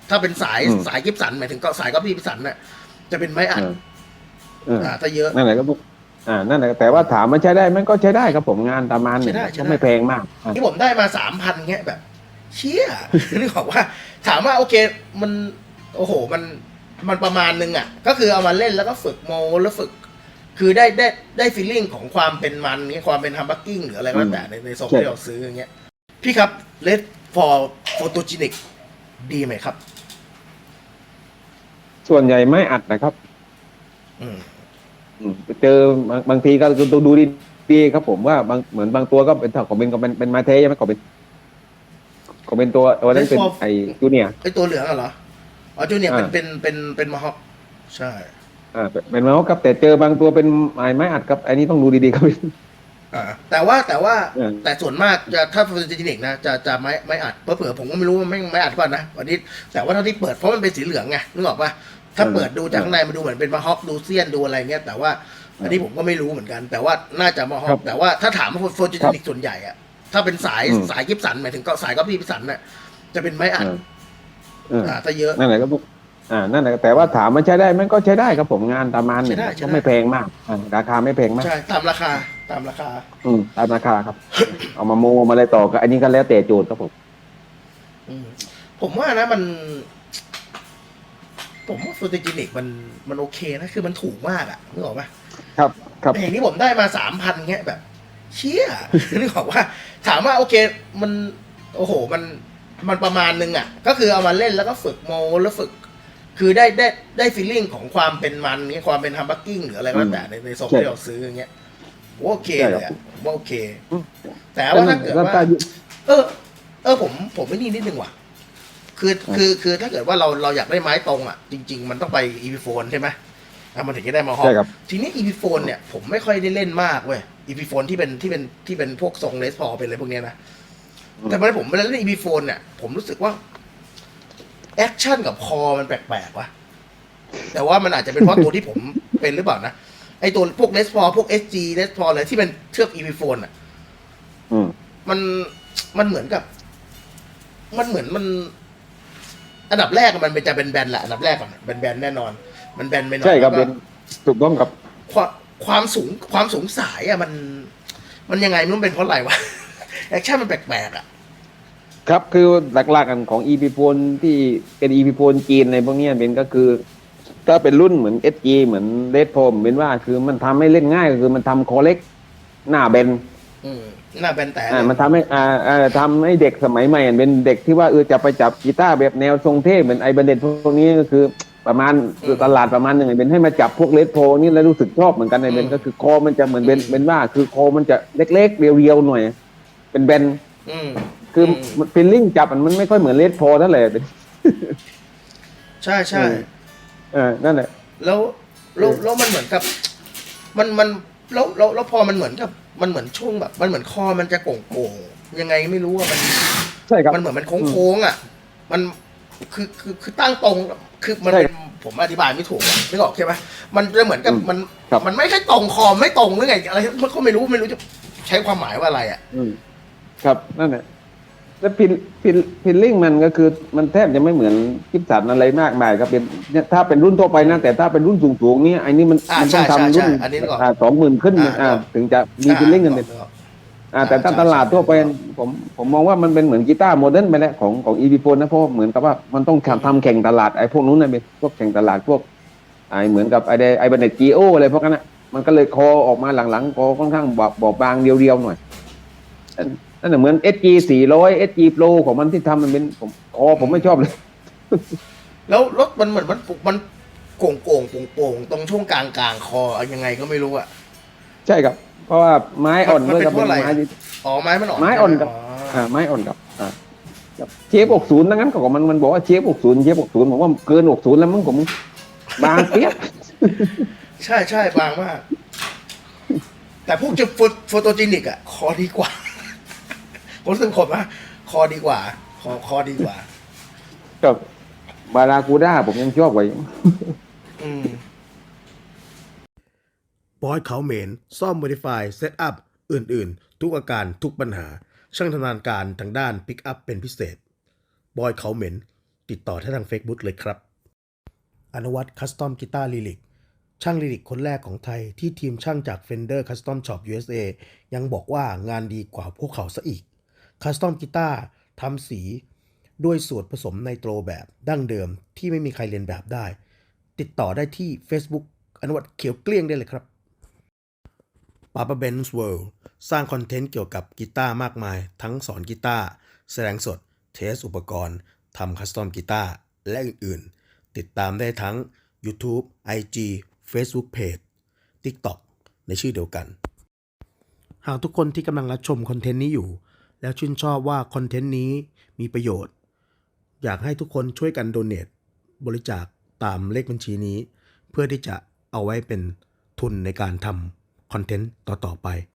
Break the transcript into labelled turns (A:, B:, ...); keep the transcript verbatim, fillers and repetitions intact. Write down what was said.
A: ถ้าเป็นสาย
B: อืม
A: สายกิฟสันหมายถึงก็สายก็พี่กิฟสันน่ะจะเป็นไม้อัด
B: เออเออ
A: อ่าถ้าเยอะ
B: นั่นแหละก็พวกอ่านั่นแหละแต่ว่าถามมันใช้ได้มันก็ใช้ได้ครับผมงานประมาณห
A: ใช่
B: นึ่ง
A: ได้ใช่ได้
B: ก็ไม่แพงมากอ่า
A: ที่ผมได้มาสามพันเงี้ยแบบเชี่ย นึกออกว่าถามว่าโอเคมันโอ้โหมันมันประมาณนึงอ่ะก็คือเอามาเล่นแล้วก็ฝึกโมแล้วฝึก คือได้ได้ได้ฟีลลิ่งของความเป็นมันนี้ความเป็นฮัมบักกิ้งหรืออะไรก็แล้วแต่ในในโซน
B: ใช่
A: ที่เราซื้ออย่างเงี้ยพี่ครับเลดฟอร์โฟโตจินิกดีไหมครับ
B: ส่วนใหญ่ไม่อัดนะครับ
A: อืม
B: อืมเจอบางบางทีก็ดูดูดีๆครับผมว่าบางเหมือนบางตัวก็เป็นถ้าของเป็นก็เป็นเป็นมาเทใช่ไหมก็เป็นก็เป็นตัวตัวนั้นเป็น
A: Red for
B: ไอจูเนียร์
A: ไอตัวเหลืองอะเหรออ๋อจูเนี่ยเป็น
B: อ่า
A: เป็นเป็นเป็นมาฮอคใช่
B: อ่าเป็นเป็นมาครับแต่เจอบางตัวเป็นไม้ไม้อัดครับไอ้นี้ต้องดูดีๆครับ
A: อ่าแต่ว่าแต่ว่า
B: เออ
A: แต่ส่วนมากจะถ้าโฟโตจินิกนะจะจะไม่ไม่อัดเผื่อๆผมก็ไม่รู้ว่าไม่ไม่อัดก่อนนะวันนี้แต่ว่าเท่าที่เปิดเพราะมันเป็นสีเหลืองไงนึกออกปะถ้าเปิดดูจากข้างในมันดูเหมือนเป็นมาฮอคดูเซียนดูอะไรเงี้ยแต่ว่าอันนี้ผมก็ไม่รู้เหมือนกัน แต่ว่าน่าจะมาฮอคแต่ว่าถ้าถามว่าโฟโตจินิกส่วนใหญ่อะถ้าเป็นสายสายกิฟสันหมายถึงก็สายก็พี่กิฟสันน่ะจะเป็นไม้อัด
B: เออ
A: อ่าถ้าเยอะ
B: นั่นแหละก็พวกอ่านั่นแหละแต่ว่าถามมันใช้ได้มันก็ใช้ได้ครับผมงานประมาณหนึ่ง
A: ใช้ได้ใช้
B: ก็
A: ได้
B: ไม่แพงมากอ่าราคาไม่แพงมาก
A: ใช่ตามราคาตามราคา
B: อืมตามราคาครับ เอามาโมมาอะไรต่อก็อันนี้ก็แล้วแต่โจทย์ครับผม
A: อืมผมว่านะมัน ผมว่าโฟโตจินิกมันมันโอเคนะคือมันถูกมากอะนึกออกปะ
B: ครับครับ
A: แต่อย่างที่ผมได้มาสามพันเงี้ยแบบ เชี่ย นึกออกว่า ถามว่าโอเคมันโอ้โหมันมันประมาณนึงอะก็คือเอามาเล่นแล้วก็ฝึกโมแล้วฝึก คือได้ได้ได้ฟีลลิ่งของความเป็นมันนี้ความเป็นฮัมบักกิ้งหรืออะไรก็แล้วแต่ในในโซน
B: ใช่
A: ที่เราซื้ออย่างเงี้ยโอเค
B: ใช่
A: เล
B: ครับ
A: ยอะว่าโอเค
B: อืม
A: แต่ว่าถ้าเกิด
B: แล้ว
A: ว่า
B: ถ้า
A: เออ เออผมผมไม่นี่นิดนึงว่ะ คือคือคือถ้าเกิดว่าเราเราอยากได้ไม้ตรงอ่ะ จริง ๆ มันต้องไปอีพีโฟนใช่ไหมอ่ะมันถึงจะได้มาฮอ
B: ใช่ครับ
A: ทีนี้อีพีโฟนเนี่ยผมไม่ค่อยได้เล่นมากเว้ยอีพีโฟนที่เป็นที่เป็นที่เป็นพวกทรงเลสพอเป็นอะไรพวกเนี้ยนะ แต่เมื่อผมเวลาเล่นอีพีโฟนเนี่ยผมรู้สึกว่าแอคชั่นกับคอมันแปลกๆว่ะแต่ว่ามันอาจจะเป็นเพราะตัวที่ผมเป็นหรือเปล่านะไอตัวพวกเลสพอพวกเอสจีเลสพออะไรที่เป็นเชือกอีพีโฟนอ่ะ
B: อืม
A: มันมันเหมือนกับ มันเหมือนมัน อันดับแรกมันเป็นจะเป็นแบนแหละอันดับแรกก่อนเป็นแบนแน่นอน มันแบนไปหน่อย
B: ใช่ครับ
A: แล้วก็
B: เป็นถูกต้องครับ
A: ความความสูงความสูงสายอ่ะมัน มันยังไงไม่รู้เป็นเพราะอะไรวะ แอคชั่นมันแปลกๆอ่ะ
B: ครับคือหลักๆกันของ อี พี โฟนที่เป็น อี พี โฟนจีนในพวกเนี้ยเป็นก็คือ ถ้าเป็นรุ่นเหมือน เอส จี เหมือนเ e ดโฟมเป็นว่าคือมันทำให้เล่นง่ายก็คือมันทำคอเล็กหน้าเบน
A: อืมหน้าแบนแต่
B: อ่ามันทำให้อ่าอ่าทำให้เด็กสมัยใหม่เป็นเด็กที่ว่าเออจะไปจับกีตาร์แบบแนวทรงเท่เหมือนไอบันเดตพวกนี้ก็คือ ประมาณคือตลาดประมาณหนึ่งเป็นให้มาจับพวกเลดโพนี่แล้วรู้สึกชอบเหมือนกันไอเบนก็คือคอมันจะเหมือนเบนเป็นว่าคือคอมันจะเล็กๆเรียวๆหน่อย เป็นเบน
A: อืม
B: คือฟิลลิ่งจับมันมันไม่ค่อยเหมือนเลดโพเท่าไหร่เป็น
A: ใช่ใช่
B: เออนั่นแหละ
A: แล้วแล้วแล้วมันเหมือนกับ มันมันแล้วแล้วแล้วพอมันเหมือนกับ มันเหมือนช่วงแบบ มันเหมือนคอมันจะโก่งๆยังไงไม่รู้อะมัน
B: ใช่ครับ
A: มันเหมือนมันโค้งๆอ่ะ มันคือคือคือตั้งตรง คือมันเป็นผมอธิบายไม่ถูกอะนึกออกใช่ไหมมันจะเหมือนกับมัน มันไม่ใช่ตรงคอไม่ตรงหรือไงอะไรมันก็ไม่รู้ไม่รู้จะใช้ความหมายว่าอะไรอ่ะ
B: อืมครับนั่นแหละแล้วฟิลฟิลฟิลลิ่งมันก็คือมันแทบจะไม่เหมือนกิฟสันอะไรมากมายครับเป็นเนี่ยถ้าเป็นรุ่นทั่วไปนะแต่ถ้าเป็นรุ่นสูงๆเนี่ยไอ้นี่มัน
A: อ่า
B: มัน
A: ใช่
B: ต้อง
A: ใช่
B: ทำรุ่น
A: ใช่อันนี้นึกออก
B: สองหมื่นขึ้น
A: อ่า
B: อ่า
A: นึกออก
B: ถึงจะมีฟิลลิ่งกันเป็นอ่าแต่ถ้า
A: ใช่
B: ตลาดทั่วไป
A: ใช่
B: ผมผมมองว่ามันเป็นเหมือนกีตาร์โมเดิร์นไปแล้วของของอีพีโฟนนะเพราะเหมือนกับว่ามันต้องทำทำแข่งตลาดไอ้พวกนู้นนะเป็นพวกแข่งตลาดพวกไอ้เหมือนกับไอ้ไอ้บันเดตจีโออะไรพวกนั้นนะมันก็เลยคอออกมาหลังๆคอค่อนข้างบอบบอบบางเรียวๆหน่อย นั่นเหมือน เอส จี สี่ร้อย เอส จี Pro ของมันที่ทำมันเป็นผมอ๋อผมไม่ชอบเลย
A: แล้วรถมันเหมือนมันปุกมันโก่งโก่งโป่งโป่งตรงช่วงกลางกลางคอยังไงก็ไม่รู้อ่ะ
B: ใช่ครับ เพราะว่าไม้อ่อน
A: มัน
B: ด้วย
A: เป็น
B: กับ
A: เพราะอะไร
B: ไม้ที่
A: อ๋อไม้มันอ่อน
B: ไม้อ่อนกับ
A: ใช่ไหม
B: อ่าไม้อ่อนกับอ่ากับเชฟหกศูนย์ดังนั้นของมันมันบอกว่าเชฟหกศูนย์เชฟหกศูนย์ผมว่าเกินหกศูนย์แล้วมึงผมบางเปียก
A: ใช่ใช่บางมาก แต่พวกจะโฟโตจินิกอ่ะ คอดีกว่า ผมรู้สึกผมว่าคอดีกว่า คอคอดีกว่า
B: กับบารากูด้าผมยังชอบกว่าอยู่
A: อืมบอยเขาเหม็นซ่อม Modify Setup อื่นๆ ทุกอาการทุกปัญหา ช่างชำนาญการทางด้านปิกอัพเป็นพิเศษ บอยเขาเหม็นติดต่อได้ทาง Facebook เลยครับอนุวัฒน์คัสตอมกีตาร์ลิลิกช่างลิลิกคนแรกของไทยที่ทีมช่างจาก Fender Custom Shop ยู เอส เอ ยังบอกว่างานดีกว่าพวกเขาซะอีกคัสตอมกีตาร์ทำสีด้วยส่วนผสมไนโตรแบบดั้งเดิมที่ไม่มีใครเรียนแบบได้ติดต่อได้ที่ Facebook อนุวัฒน์เขียวเกลี้ยงได้เลยครับ Papa Ben's World สร้างคอนเทนต์เกี่ยวกับกีตาร์มากมายทั้งสอนกีตาร์แสดงสดเทสอุปกรณ์ทำคัสตอมกีตาร์และอื่นๆติดตามได้ทั้ง YouTube ไอ จี Facebook Page TikTok ในชื่อเดียวกัน หากทุกคนที่กำลังรับชมคอนเทนต์นี้อยู่แล้วชื่นชอบว่าคอนเทนต์นี้มีประโยชน์อยากให้ทุกคนช่วยกันโดเนทบริจาคตามเลขบัญชีนี้เพื่อที่จะเอาไว้เป็นทุนในการทำคอนเทนต์ต่อๆไป